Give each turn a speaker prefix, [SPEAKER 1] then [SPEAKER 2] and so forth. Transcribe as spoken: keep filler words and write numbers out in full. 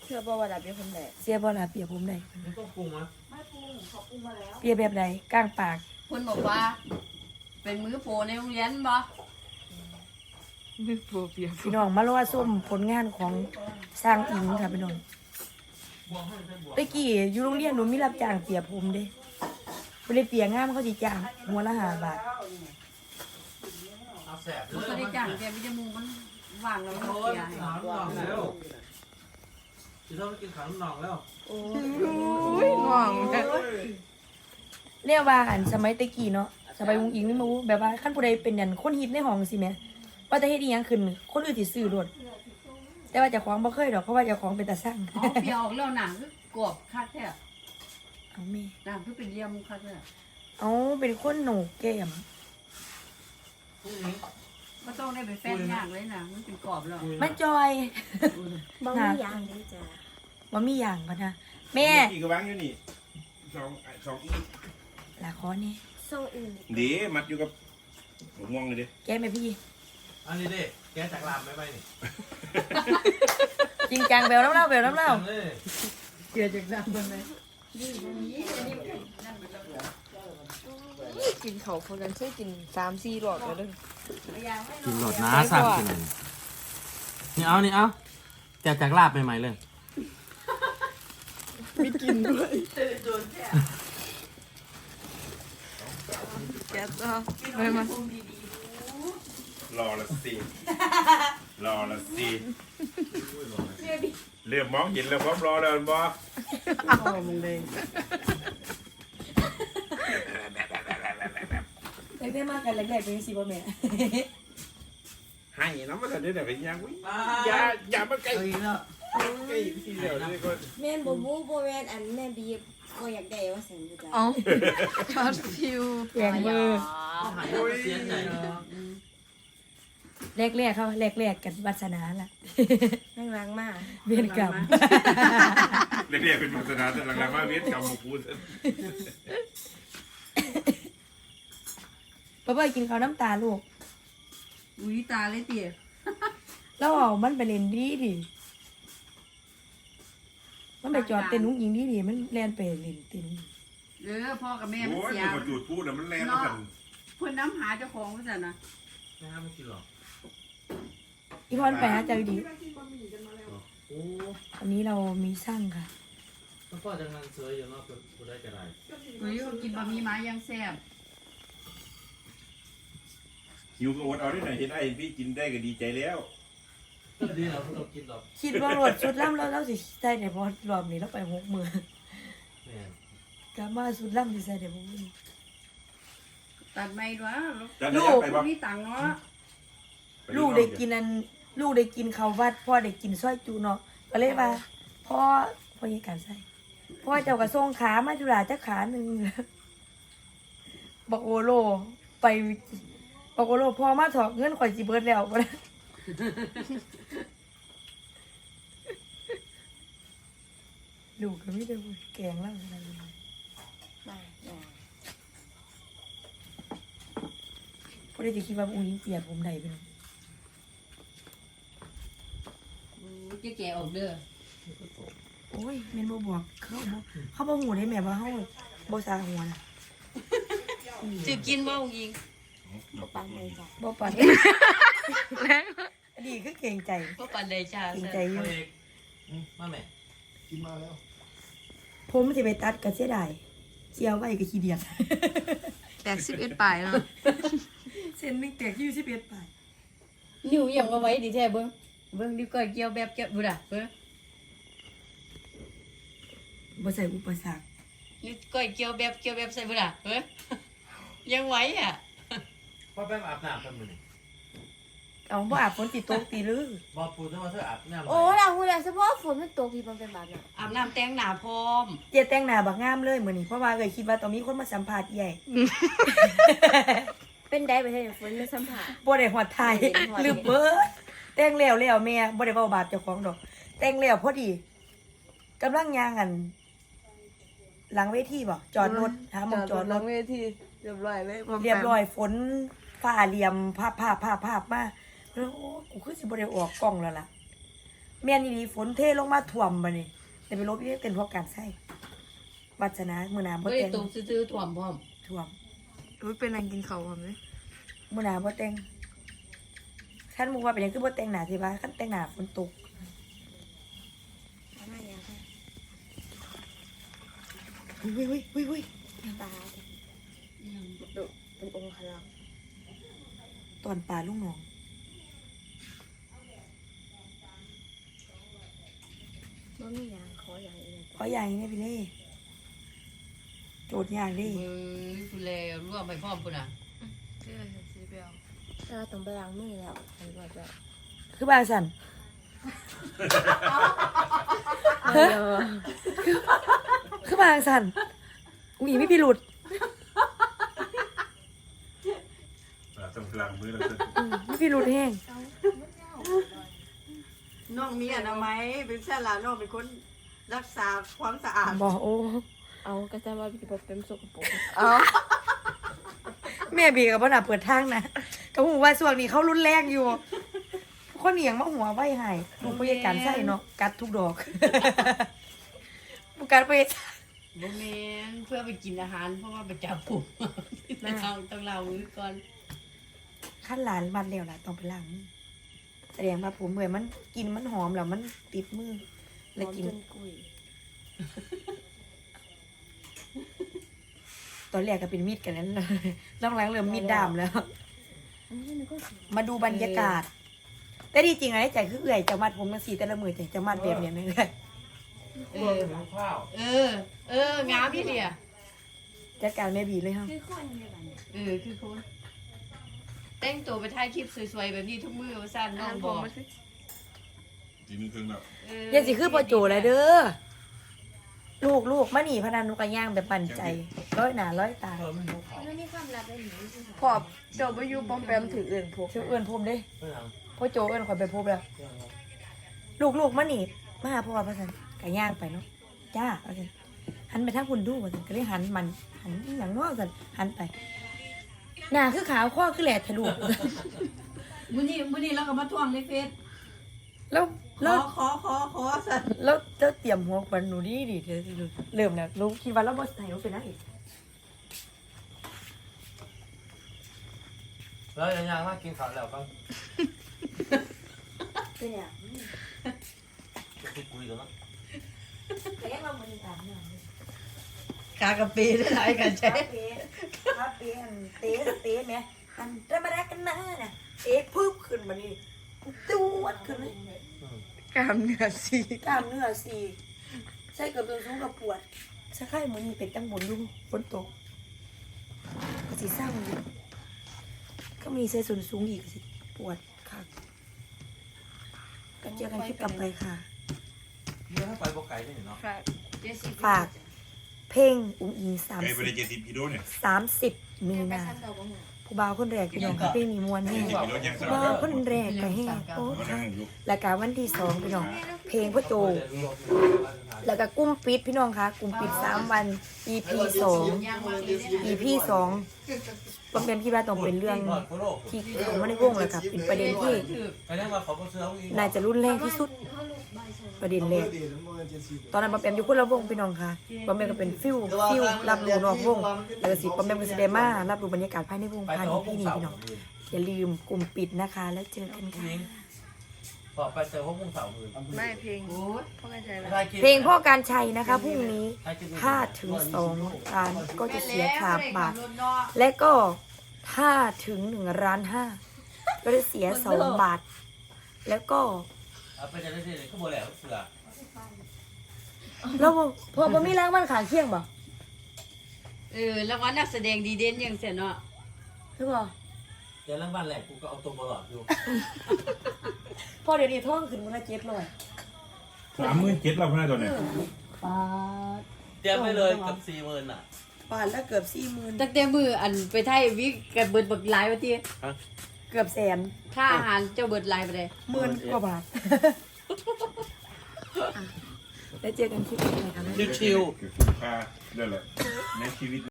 [SPEAKER 1] เชื่อว่าระเบียบผมได้
[SPEAKER 2] เสียบ่ล่ะเปียผมได้
[SPEAKER 3] มันต้องปรุงมั้ย
[SPEAKER 1] ไม่ปรุงขอปรุงมาแล้ว
[SPEAKER 2] เปียแบบใดก้างปาก
[SPEAKER 4] เพิ่นบอกว่า เป็นมือโปรในโรงเรียนบ่
[SPEAKER 1] มือโปรเปีย
[SPEAKER 2] พี่น้องมารอส้มผลงานของสร้างอิงค่ะพี่น้องตะกี้อยู่โรงเรียนหนูมีรับจ้างเปียผมเด้บ่ได้เปียงามเขาสิจ้างหัวละห้าบาท
[SPEAKER 3] เอาแสบ
[SPEAKER 4] มันก็ได้จ้างแกวิจมูกมันว่างแล้วมันเสียให้
[SPEAKER 3] ขาวน้องแล้วจะต้องกินขาวน้องแล้ว
[SPEAKER 1] โอ้ยง่วง
[SPEAKER 2] เรียกว่าอันสมัยตะกี้เนาะสมัยอุ้งอิงนี่มาแบบว่าคันผู้ใดเป็นอันคนฮิตในห้องสิแม่ว่าจะเฮ็ดอีหยังขึ้นคนอื่นสิซื้อโลดแต่ว่าเจ้าของบ่เคยดอกเพราะว่าเจ้าของเป็นตาสั่ง
[SPEAKER 4] อ๋อเปียออกแล้วหนังคือกรอบคักแท้
[SPEAKER 2] เอาแม่
[SPEAKER 4] หนังคือเป็นเลี่ยมคักแท้
[SPEAKER 2] เอาเป็นคนโหนกแก้ม
[SPEAKER 3] พรุ่งนี้
[SPEAKER 4] บ่ต้องได้ไปแฟนย่างเลยนะมันเป็นกรอบแล้ว
[SPEAKER 2] มันจอย
[SPEAKER 1] บางอย่างนี่จ้ะ
[SPEAKER 2] ว่ามีอย่างพะนะแม่
[SPEAKER 5] อีกกระบังอยู่นี่สองสองอี
[SPEAKER 2] ลาคอนี่
[SPEAKER 1] โซ่อื่น
[SPEAKER 5] เดี๋ยวมัดอยู่กับหัวม่วงเลยดิ
[SPEAKER 2] แกแม่พี่
[SPEAKER 3] อันนี้ดิแกจากลามไม่ไปนี่
[SPEAKER 2] จริงจังแบวน้ำเล่าแบวน้ำเล่า
[SPEAKER 3] เลย
[SPEAKER 4] เกลือจากน้ำเบิ่งเลย
[SPEAKER 1] กินเขาคนนั้นช่วยกินสามสี่หลอดเลย
[SPEAKER 3] กินหลอดน้าสามกินนี่เอานี่เอาแกจากลาบใหม่ๆเลย
[SPEAKER 1] ไม่กินด้วยแกต่อไปมาร
[SPEAKER 5] อละสิรอละสิเริ่มมองเห็นแล้วพร้อมรอแล้วบ่
[SPEAKER 1] เอามึงเลย
[SPEAKER 2] ไอ้แม่มากกันแรกๆเป็นสิบ่แม่
[SPEAKER 5] ให้น้ำมันจะได้แต่เป็นยังวิอย่าอย่ามาใกล้
[SPEAKER 3] เอาอีกแล้ว
[SPEAKER 5] ใกล้ทีเดียวนี่ก็
[SPEAKER 6] แม่นบ่บูบ่แม่นอันแม่บีบบ่อยากได้ว่าซั่นจ้ะ
[SPEAKER 1] เอาช็อตฟิว
[SPEAKER 2] แยงมือ
[SPEAKER 3] หายเสียใจ
[SPEAKER 2] แรกๆเขาแรกๆกันวาสนาล่ะ
[SPEAKER 6] นั่งล้างมา
[SPEAKER 2] เวียนกรรม
[SPEAKER 5] เรียกๆเป็นศาสนาแต่หลังๆมาเวียนกรรมมาพูด
[SPEAKER 2] ป้าเป้ยกินข้าวน้ำตาลูก
[SPEAKER 4] อุ้ยตาเลยเตี๋ย
[SPEAKER 2] แล้วเอามันไปเล่นดีดิมันไปจอดเต้นนุ้งยิงดีดิมันแล่นไปเล่นเต้น
[SPEAKER 4] เออพ่อกับแม่มัน
[SPEAKER 5] โอ้ย
[SPEAKER 4] เสีย
[SPEAKER 5] มันจุดพูดนะมันแรงนะกัน
[SPEAKER 4] เพิ่นน้ำหาเจ้าของว่าซั่นนะ
[SPEAKER 3] ไม่ห้ามไม่กินหรอก
[SPEAKER 2] อีพอนไปหาเจอดี
[SPEAKER 3] โอ้
[SPEAKER 2] วันนี้เรามีสร้างค่ะ
[SPEAKER 3] แล้วก็จะงานเสืออยู่เนาะกูได้กระไร
[SPEAKER 4] เฮ้ยกินบะหมี่ไม้ยังแซ่บ
[SPEAKER 5] หิวก็อดเอาได้หน่อยเห็นไอ้พี่กินได้ก็ดีใจแล้ว
[SPEAKER 3] ก็ดีเราเรากินหรอก
[SPEAKER 2] คิดว่ารถสุดล่ำแล้วเราสิใส่ได้พอรอบนี้เราไปหกมือ
[SPEAKER 3] แม่
[SPEAKER 2] กลับมาสุดล่ำสิใส่ได้หกมือ
[SPEAKER 4] ตัดไม่ด้วย
[SPEAKER 5] จะ
[SPEAKER 2] ลู
[SPEAKER 5] ได้
[SPEAKER 2] ก
[SPEAKER 5] ไป
[SPEAKER 4] พว
[SPEAKER 5] บ่
[SPEAKER 4] กนี้ตังค์เนาะ
[SPEAKER 2] ลูกได้กินอันลูกได้กินข้าววัดพ่อได้กินซอยจูเนาะก็เลยว่าพ่อพ่อยังการใส่พ่อเจ้ากระทรงขามาจุฬาจะขาหนึ่งบอกโอโลไปบอกโอโลพ่อมาถอกเงินข่อยสิเบิดแล้วบ่ได้ลูกก็ไม่ได้แกงแล้วอะไรเลย
[SPEAKER 6] มาอย่า
[SPEAKER 2] พอได้จะคิดว่าอุ้งยิงเปียกผมใดไปหน่อย
[SPEAKER 4] จะแก่ออกเด้อ
[SPEAKER 2] โอ้ยแม่นบ่บอกเขาบ่เขาบ่หูได้แม่ว่าเขาบ่สาหัวน่ะ
[SPEAKER 4] จะกินบ่องยิง
[SPEAKER 6] บ่ปังเลยจ้ะ
[SPEAKER 2] บ่ปานดีคือเก่งใจ
[SPEAKER 4] บ่ปานใดจ้า
[SPEAKER 2] เก่งใจอยู่
[SPEAKER 3] เอาเอกมาแม่
[SPEAKER 2] ผมสิไปตัดก็เสียดายเสียไว้ก็ขี้เดียด
[SPEAKER 1] แตกสิบเอ็ดปลายเนาะ
[SPEAKER 2] เส้นนึงแตกอยู่สิบเอ็ดปลาย
[SPEAKER 4] นิ้วยังบ่ไว้ดีแท้เบิ่งเบิ่งนิ้วก้อยเกี่ยวแบบเกี่ยวบ่ล่ะเบิ่ง
[SPEAKER 2] บ่ใส่อุปสรรค
[SPEAKER 4] นิ้วก้อยเกี่ยวแบบเกี่ยวแบบใส่บ่ล่ะเบิ่งยังไหวอ่ะ
[SPEAKER 3] พ่อแป๊บอาบน้ำแป๊บนึง
[SPEAKER 2] เอาบ่อาบฝนติดตกตีลือ
[SPEAKER 3] บอกปูด้วยว่าเธออาบน้ำ
[SPEAKER 6] โอ้ล่ะฮู้แล้วเฉพาะฝนมันตกพี่มันเป็นแบบนั้น
[SPEAKER 4] อาบน้ำแต่งหน้าพร้อม
[SPEAKER 2] เจียแต่งหน้าบักงามเลยมื้อนี้เพราะว่าเอ้ยคิดว่าต้องมีคนมาสัมภาษณ์ใหญ่
[SPEAKER 6] เป็นได้ไปเฮ็ดฝนมาสัมผัส
[SPEAKER 2] บ่ได้ฮอดไทยลืมเบิดแต่งแล้วแล้วแม่บ่ได้เว้าบาปเจ้าของดอก แต่งแล้วพอดีกำลังย่างอัน หลังเวทีบ่จอดรถหาหมองจอดร
[SPEAKER 1] ล
[SPEAKER 2] ถ
[SPEAKER 1] งเวทีเรียบร้อยเลย
[SPEAKER 2] เรียบร้อยฝนฟ้าเหลี่ยมภาพภาพภาพภาพมาแล้วโอ้กูคือสิบ่ได้ออกกล้องแล้วล่ะแม่นอีหลีฝนเทลงมาท่วมบัดนี้แต่ไปลบอีกเป็นเพราะการใช้วัฒนะมื้อหน้าบ่
[SPEAKER 4] บ่ได้
[SPEAKER 2] แต่ง
[SPEAKER 4] ตรงซื่อๆถ่วมพร้อม
[SPEAKER 2] ท่วม
[SPEAKER 1] อุ้ยเป็นอะไรกินเขาผมเลย
[SPEAKER 2] มื้อหน้าบ่แต่งคันหมู่ว่าเป็นหยังคือบ่แต่งหน้าสิว่าคันแต่งหน้าฝนตก
[SPEAKER 6] ทำไมยังไง
[SPEAKER 2] อุ้ยอุ้ยอุ้ยอุ้ย
[SPEAKER 6] ตาดุเป็นองค์พลัง
[SPEAKER 2] ตอนปลาลูกน้อง
[SPEAKER 6] บ่มีอย่างขออย่างอื่น
[SPEAKER 2] ขออย่างนี้เนี่ยพี่เล่โจทย์ยากดิ
[SPEAKER 4] เออผู้แลร่วมไปพร้อมพุ่นน่ะ
[SPEAKER 1] ชื่ออะไรสีเบล
[SPEAKER 6] ถ้าเราต้องไปล้างมือแล้วอันว่าจะ
[SPEAKER 2] คือบางสันเฮ้ยคือบางสันอุ้ยไม่พี่หลุด
[SPEAKER 5] ต้องพลังมือเราจะ
[SPEAKER 2] อืมไม่พี่หลุดแห้ง
[SPEAKER 1] น้องมีอนามัยเป็นเส้นลาน้องเป็นคนรักษาความสะอาด
[SPEAKER 2] บอกโอ้
[SPEAKER 6] เอาก็จะว่าพี่บอกเป็นสกปรก
[SPEAKER 1] อ๋อ
[SPEAKER 2] แม่บีกับพ่อหนาเปิดทางนะก็หูว่าส่วนนี้เขารุนแรงอยู่คนเหนียงมาหัวไว้ให้ลูกพยาการใส่เนาะกัดทุกดอกบุการไป
[SPEAKER 4] บ่แม่นเพื่อไปกินอาหารเพราะว่าไปจับผมต้องต้องเล่ามือก่อน
[SPEAKER 2] ขั้นหลานบัดเดียวล่ะต้องไปล้างมือแสดงว่าผมเหมือนมันกินมันหอมแล้วมันติดมือ
[SPEAKER 6] ห
[SPEAKER 2] แล้ว
[SPEAKER 6] อม
[SPEAKER 2] กิน
[SPEAKER 6] จนกุย
[SPEAKER 2] ตอนแรกก็เป็นมีดกันนั้นเลยหลังๆเริ่มมีดดามแล้ว
[SPEAKER 6] อันนี้มันก็สิ
[SPEAKER 2] มาดูบรรยากาศ แต่ที่จริงอะในใจคือเอื่อยจะมัดผมมาสีแต่ละมือใจจะมัดแบบเนี้ยเลย
[SPEAKER 4] เออเออ เอองามพี่เดีย
[SPEAKER 2] จัดการแม่บีเลยครับ
[SPEAKER 6] คือคนในบ้านเนี่ย
[SPEAKER 4] เออคือคนแต่งตัวไปถ่ายคลิปสวยๆแบบนี้ทุกมื้อว่าซั่นน้องบอก
[SPEAKER 5] จีนึงครึ่งแล้ว
[SPEAKER 4] เออ
[SPEAKER 2] เดี๋ยังสิคือพอโจเลยเด้อลูกลูกมาหนีพนันนุกกระย่างแบบปั่นใจร้อยหนาร้อยตา
[SPEAKER 6] มันไม่มีความลับได้หนิ
[SPEAKER 1] พอบเจ้าไปอยู่ปอมแปมถืออื่นพวก
[SPEAKER 2] เชื่อเอื้อนพรมเด้พ่อโจเอื้อนคอยไปพบแล้ว ลูกลูกมาหนีมาหาพ่อพระสันกระย่างไปเนาะจ้าพระสันหันไปทางคุณดูพระสันก็เลยหันมันหันอหย่างง้อสันหันไปหน้าคือขาวข้อคือแหลดทะลุ
[SPEAKER 1] มื้อนี้มื้อนี้เราก็มาทวงในเฟซ
[SPEAKER 2] แล้ว
[SPEAKER 1] ข
[SPEAKER 2] แล้
[SPEAKER 1] อ
[SPEAKER 2] ว
[SPEAKER 1] ขอขอขอสัน
[SPEAKER 2] แล้วเจ้าเตรียมหัวควันหนูดีดิเธอสิลูกเริ่มแล้วลูกคิดว่าเราบอสไทยเราเป็นนางเอก
[SPEAKER 3] แล้วยังยังมากินข้าวแล้วก็
[SPEAKER 6] เป็นอย่าง
[SPEAKER 3] คุยคุยกันเนาะ
[SPEAKER 2] แต่ยังเราเหมือนกันเนี่ย
[SPEAKER 4] กากะปีได้หลายกันใช่
[SPEAKER 2] คาเฟ่คาเฟ่อันเตะเตะไหมอันธรรมดากันนะน่ะเตะพึบขึ้นมานี่ตูดขึ้นเลย
[SPEAKER 1] กามเนื้อสี
[SPEAKER 2] กล้ามเนื้อสีใส่เกือบตัวสูงกับปวดสักไข่มือนี่เป็นตั้งบนลุงฝนตกก็สิเศร้าอยู่ก็มีใส่ส่วนสูงอีกสิปวดค่ะก็เจอกันคลิปต่อไปค่ะ
[SPEAKER 3] เรื่องไปบอกไก่ได้เนาะ
[SPEAKER 1] ฝาก
[SPEAKER 2] ฝากเพลงอุ้งอิงสาม
[SPEAKER 5] ไอ้
[SPEAKER 2] สิ
[SPEAKER 5] บริเจสิบกิโลเนี่ย
[SPEAKER 2] สามสิบมี
[SPEAKER 6] ไป
[SPEAKER 2] นา
[SPEAKER 6] ขั้นตอนบ่หัว
[SPEAKER 2] ผู้บ่าวคนแรกพี่น้องค่ะเพลงนี้มวนแห้ง
[SPEAKER 5] กิโลยังส
[SPEAKER 2] ผู้
[SPEAKER 5] อง
[SPEAKER 2] บ่าวคนแรกก็แห้งโอ้
[SPEAKER 5] มานั่
[SPEAKER 2] ค่ะ
[SPEAKER 5] งลูก
[SPEAKER 2] แล้วก็วันที่สองพี่น้องเพลงพ่อโจ แล้วก็กุ้มปิดพี่น้องคะกุ้มปิดสามวัน อี พี สอง อี พี สองบางเป็นพี่ว่าต้องเป็นเรื่องที่เขาไม่ได้วงเลยค่ะเป็นประเด็นที่
[SPEAKER 3] ไอ้นั่นว่าเขาก็ซื้อเอาเอง
[SPEAKER 2] น่าจะรุนแรงที่สุดประเด็นแรกตอนนั้นบอมแปมอยู่คนละวงพี่น้องค่ะบอมแปมก็เป็นฟิวฟิวรับรู้นอกวงแล้วก็สิบอมแปมก็แสดงมารับรู้บรรยากาศภายในวง
[SPEAKER 3] ไป
[SPEAKER 2] ภายใน
[SPEAKER 3] โต๊ะ
[SPEAKER 2] ที่นี่พี่น้องอย่าลืมกลุ่มปิดนะคะ แล้วเจอกันค่ะ
[SPEAKER 3] ต่อไปเจอพวกมึงสาวมือ
[SPEAKER 1] ไม่เพลงพ่อกันใจแล้ว
[SPEAKER 2] เพลงพ่อการชัยนะคะพรุ่งนี้ถ้าถึงสองล้านก็จะเสียขาดบาท และก็ถ้าถึงหนึ่งล้านห้าก็จะเสียสองบาท แล้วก็
[SPEAKER 3] เอาไปจะได้เลยก็โมแล้วเสือ
[SPEAKER 2] แล้วพอบ่มีแรงมันขาเคียงบ่
[SPEAKER 4] เออรางวัลนักแสดงดีเด่นยังเสียเนาะ
[SPEAKER 2] หรือบ่
[SPEAKER 3] เดี๋ยวรางวัลแรกกูก็เอาตัวบอลอดอยู่
[SPEAKER 2] พอเดี๋ยวนี้ท่องขึ้นมันละเจ็ดร้อย
[SPEAKER 5] สามหมื่นเจ็ดเราพนันตัวเนี่ย
[SPEAKER 2] ปาด
[SPEAKER 3] เตรียมไปเลยกับสี่หมื่นอ่ะ
[SPEAKER 2] ปาดแล้วเกือบสี่หมื่น
[SPEAKER 4] ตั้งแต่มืออันไปไทยวิกกับเบิดบักหลายว่าติ
[SPEAKER 2] เกือบแสน
[SPEAKER 4] ค่าอาหารเจ้าเบิดหลายไปเลย
[SPEAKER 2] หมื่นกว่าบาทแล้วเจอกันคลิปหน้าค่ะแม่
[SPEAKER 3] ชิว
[SPEAKER 5] คือคุ้มค่าด้วยแหละในชีวิต